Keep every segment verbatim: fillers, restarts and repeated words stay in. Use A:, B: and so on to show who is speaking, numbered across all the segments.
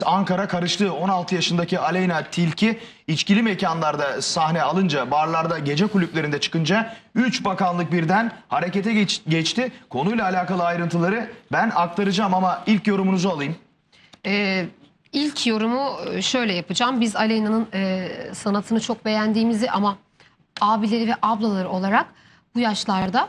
A: Ankara karıştı. on altı yaşındaki Aleyna Tilki içkili mekanlarda sahne alınca, barlarda, gece kulüplerinde çıkınca üç bakanlık birden harekete geç, geçti. Konuyla alakalı ayrıntıları ben aktaracağım ama ilk yorumunuzu alayım.
B: Ee, ilk yorumu şöyle yapacağım. Biz Aleyna'nın e, sanatını çok beğendiğimizi ama abileri ve ablaları olarak bu yaşlarda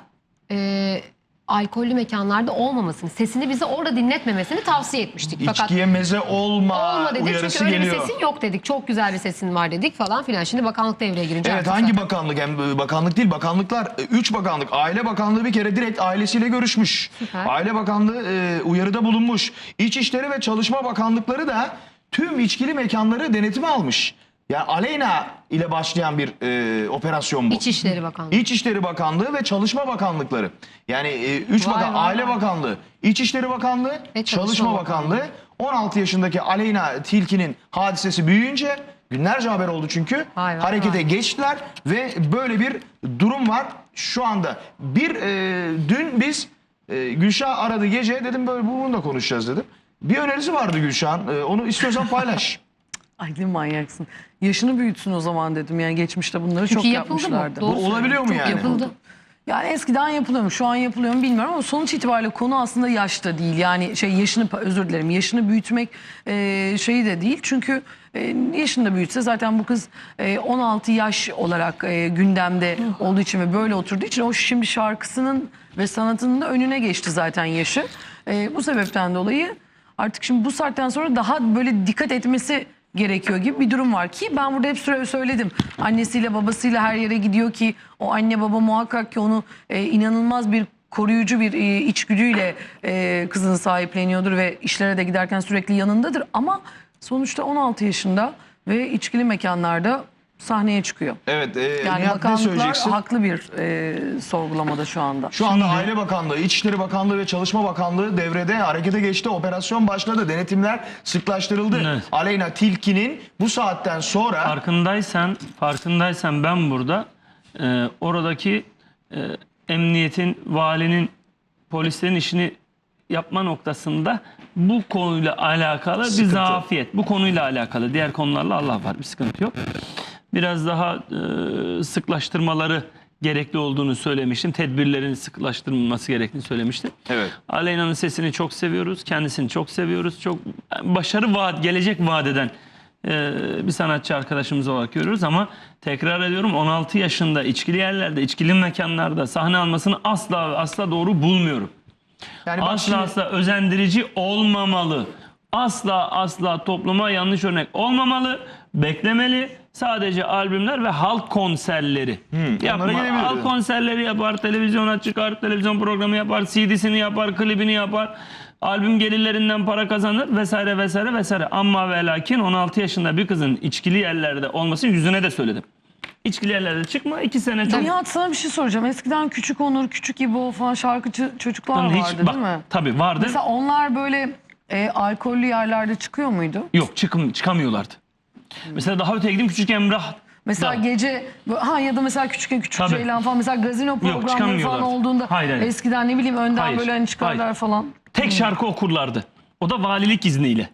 B: e, alkollü mekanlarda olmamasını, sesini bize orada dinletmemesini tavsiye etmiştik. Fakat
A: İçkiye meze olma,
B: olma dedik
A: uyarısı
B: çünkü öyle
A: geliyor.
B: bir sesin yok dedik. Çok güzel bir sesin var dedik falan filan. Şimdi bakanlık devreye girince
A: Evet,
B: artık
A: hangi
B: zaten...
A: bakanlık? Hem bakanlık değil, bakanlıklar üç bakanlık. Aile Bakanlığı bir kere direkt ailesiyle görüşmüş.
B: Süper.
A: Aile Bakanlığı e, uyarıda bulunmuş. İçişleri ve Çalışma Bakanlıkları da tüm içkili mekanları denetime almış. Yani Aleyna ile başlayan bir e, operasyon bu.
B: İçişleri Bakanlığı.
A: İçişleri Bakanlığı ve Çalışma Bakanlıkları. Yani e, üç
B: Vay
A: bakan,
B: vay
A: Aile
B: vay.
A: Bakanlığı, İçişleri Bakanlığı,
B: Ve
A: Çalışma,
B: Çalışma
A: Bakanlığı.
B: Bakanlığı.
A: on altı yaşındaki Aleyna Tilki'nin hadisesi büyüyünce, günlerce haber oldu çünkü,
B: Vay vay
A: harekete
B: vay.
A: geçtiler ve böyle bir durum var şu anda. Bir e, dün biz e, Gülşah aradı gece, dedim böyle bunu da konuşacağız dedim. Bir önerisi vardı Gülşah'ın, e, onu istiyorsan paylaş.
C: Ay ne manyaksın. Yaşını büyütsün o zaman dedim. Yani geçmişte bunları
B: Çünkü
C: çok
B: yapıldı mı?
C: yapmışlardı.
B: Doğru
A: Bu olabiliyor mu
B: Çok
A: yani?
B: yapıldı.
C: Yani eskiden yapılıyor mu? Şu an yapılıyor mu bilmiyorum ama sonuç itibariyle konu aslında yaşta değil. Yani şey yaşını özür dilerim. Yaşını büyütmek e, şeyi de değil. Çünkü e, yaşını da büyütse zaten bu kız e, on altı yaş olarak e, gündemde olduğu için ve böyle oturduğu için o şimdi şarkısının ve sanatının da önüne geçti zaten yaşı. E, bu sebepten dolayı artık şimdi bu saatten sonra daha böyle dikkat etmesi gerekiyor gibi bir durum var ki ben burada hep süre söyledim. Annesiyle babasıyla her yere gidiyor ki o anne baba muhakkak ki onu e, inanılmaz bir koruyucu bir e, içgüdüyle e, kızını sahipleniyordur ve işlere de giderken sürekli yanındadır. Ama sonuçta on altı yaşında ve içkili mekanlarda sahneye çıkıyor.
A: Evet, e,
C: Yani
A: Nihat, ne
C: bakanlıklar
A: söyleyeceksin?
C: haklı bir e, sorgulamada şu anda.
A: Şu anda Aile Bakanlığı, İçişleri Bakanlığı ve Çalışma Bakanlığı devrede, harekete geçti. Operasyon başladı. Denetimler sıklaştırıldı.
D: Evet.
A: Aleyna Tilki'nin bu saatten sonra...
D: Farkındaysan, farkındaysan ben burada e, oradaki e, emniyetin, valinin, polislerin işini yapma noktasında bu konuyla alakalı
A: Sıkıntı.
D: bir zafiyet. Bu konuyla alakalı. Diğer konularla Allah var, bir sıkıntı yok. Biraz daha e, sıklaştırmaları gerekli olduğunu söylemiştim. Tedbirlerin sıklaştırılması gerektiğini söylemiştim.
A: Evet.
D: Aleyna'nın sesini çok seviyoruz. Kendisini çok seviyoruz. Çok başarı vaat, gelecek vaat eden e, bir sanatçı arkadaşımız olarak görüyoruz ama tekrar ediyorum on altı yaşında içkili yerlerde, içkili mekanlarda sahne almasını asla asla doğru bulmuyorum.
A: Yani bak
D: Asla
A: şimdi-
D: asla özendirici olmamalı. Asla asla topluma yanlış örnek olmamalı. Beklemeli. Sadece albümler ve halk konserleri yapma.
A: onlara gelebiliriz.
D: Halk konserleri yapar, televizyona çıkar, televizyon programı yapar, C D'sini yapar, klibini yapar. Albüm gelirlerinden para kazanır vesaire vesaire vesaire. Ama ve lakin on altı yaşında bir kızın içkili yerlerde olmasını yüzüne de söyledim. İçkili yerlerde çıkma, iki sene çok...
C: Nihat sana bir şey soracağım. Eskiden Küçük Onur, Küçük İbo falan şarkıcı çocuklar
D: Hiç-
C: vardı
D: bak,
C: değil mi?
D: Tabii vardı.
C: Mesela onlar böyle e, alkollü yerlerde çıkıyor muydu?
D: Yok, çıkım, çıkamıyorlardı. Mesela daha öteye gideyim, Küçük Emrah.
C: Mesela
D: da.
C: gece ha ya da mesela küçükken Küçük
D: Tabii.
C: Ceylan falan mesela gazino programları falan
D: çıkamıyorlardı.
C: olduğunda
D: Hayır, hayır.
C: eskiden ne bileyim önden
D: Hayır,
C: böyle hani çıkarlar
D: hayır.
C: falan.
D: Tek şarkı okurlardı. O da valilik izniyle.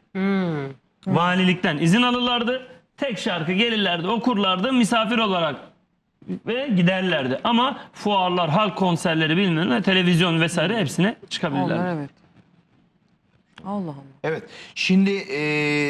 D: Valilikten izin alırlardı. Tek şarkı gelirlerdi, okurlardı misafir olarak ve giderlerdi. Ama fuarlar, halk konserleri bilmem ne, televizyon vesaire hepsine çıkabilirlerdi.
C: Onlar evet. Allah Allah.
A: Evet. Şimdi e,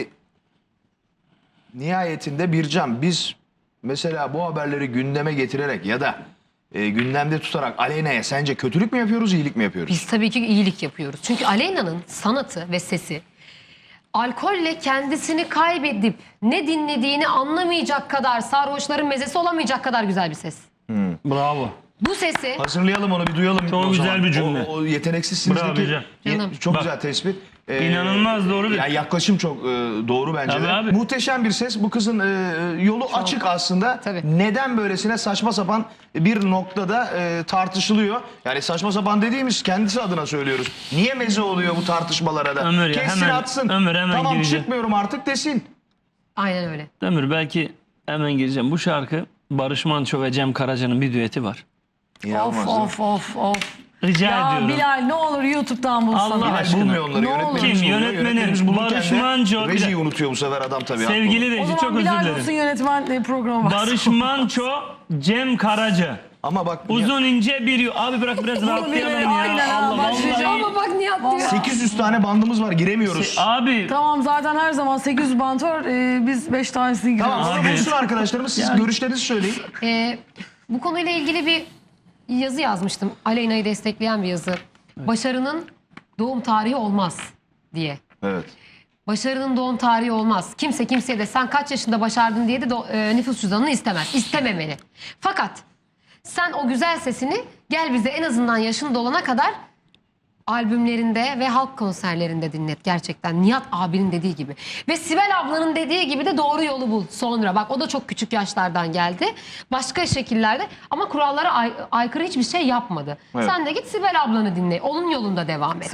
A: nihayetinde Bircan, biz mesela bu haberleri gündeme getirerek ya da e, gündemde tutarak Aleyna'ya sence kötülük mü yapıyoruz, iyilik mi yapıyoruz?
B: Biz tabii ki iyilik yapıyoruz. Çünkü Aleyna'nın sanatı ve sesi alkolle kendisini kaybedip ne dinlediğini anlamayacak kadar, sarhoşların mezesi olamayacak kadar güzel bir ses.
D: Bravo.
B: Bu sesi
A: Hazırlayalım onu, bir duyalım.
D: Çok
A: o
D: güzel
A: zaman.
D: bir cümle.
A: O, o yeteneksizsinizdeki
D: Bravo Bircan.
A: ye-
B: Canım.
A: çok
D: Bak.
A: güzel tespit. Ee,
D: İnanılmaz doğru bir-
A: Yani yaklaşım çok e, doğru bence
D: Tabii
A: de.
D: abi.
A: Muhteşem bir ses. Bu kızın e, yolu açık aslında.
B: Tabii.
A: Neden böylesine saçma sapan bir noktada e, tartışılıyor? Yani saçma sapan dediğimiz kendisi adına söylüyoruz. Niye meze oluyor bu tartışmalara da?
D: Ömür ya,
A: Kessin
D: hemen-
A: atsın.
D: Ömür hemen
A: tamam
D: gireceğim.
A: çıkmıyorum artık desin.
B: aynen öyle.
D: Ömür belki hemen gireceğim. Bu şarkı Barış Manço ve Cem Karaca'nın bir düeti var.
C: Of of of of.
D: Rica
C: Ya
D: ediyorum.
C: Bilal ne olur YouTube'dan bulsana.
D: Allah
A: Bilal
D: aşkına.
A: bulmuyor onları.
C: Ne olur.
A: Yönetmenimiz
D: Kim?
A: buluyor.
D: Yönetmenim.
A: Yönetmenimiz bulurken
D: Barış
A: de
D: Manço.
A: Rejiyi unutuyor bu sefer adam tabii.
D: Sevgili
C: O
D: reji
C: zaman
D: çok özür
C: Bilal
D: dilerim.
C: bulsun yönetmen e, programı var.
D: Barış Manço, Cem Karaca.
A: Ama bak
D: Uzun ince bir yu- Abi bırak biraz rahatlayalım ya.
C: aynen ha,
D: Allah
C: başlayacağım.
D: vallahi.
B: Ama bak Nihat diyor.
A: sekiz yüz tane bandımız var, giremiyoruz.
D: Abi
C: Tamam zaten her zaman sekiz yüz bant var. e, biz beş tanesini giriyoruz.
A: Tamam,
D: Abi.
A: onu bulsun arkadaşlarımız. Siz
D: Yani-
A: görüşlerinizi söyleyin.
B: Ee, bu konuyla ilgili bir yazı yazmıştım. Aleyna'yı destekleyen bir yazı. Başarının doğum tarihi olmaz diye.
A: Evet.
B: Başarının doğum tarihi olmaz. Kimse kimseye de sen kaç yaşında başardın diye de do- e, nüfus cüzdanını istemez. İstememeli. Fakat sen o güzel sesini gel bize en azından yaşın dolana kadar albümlerinde ve halk konserlerinde dinlet gerçekten. Nihat abinin dediği gibi. Ve Sibel ablanın dediği gibi de doğru yolu bul sonra. Bak o da çok küçük yaşlardan geldi. Başka şekillerde ama kurallara ay- aykırı hiçbir şey yapmadı.
A: Evet.
B: Sen de git Sibel ablanı dinle. Onun yolunda devam et.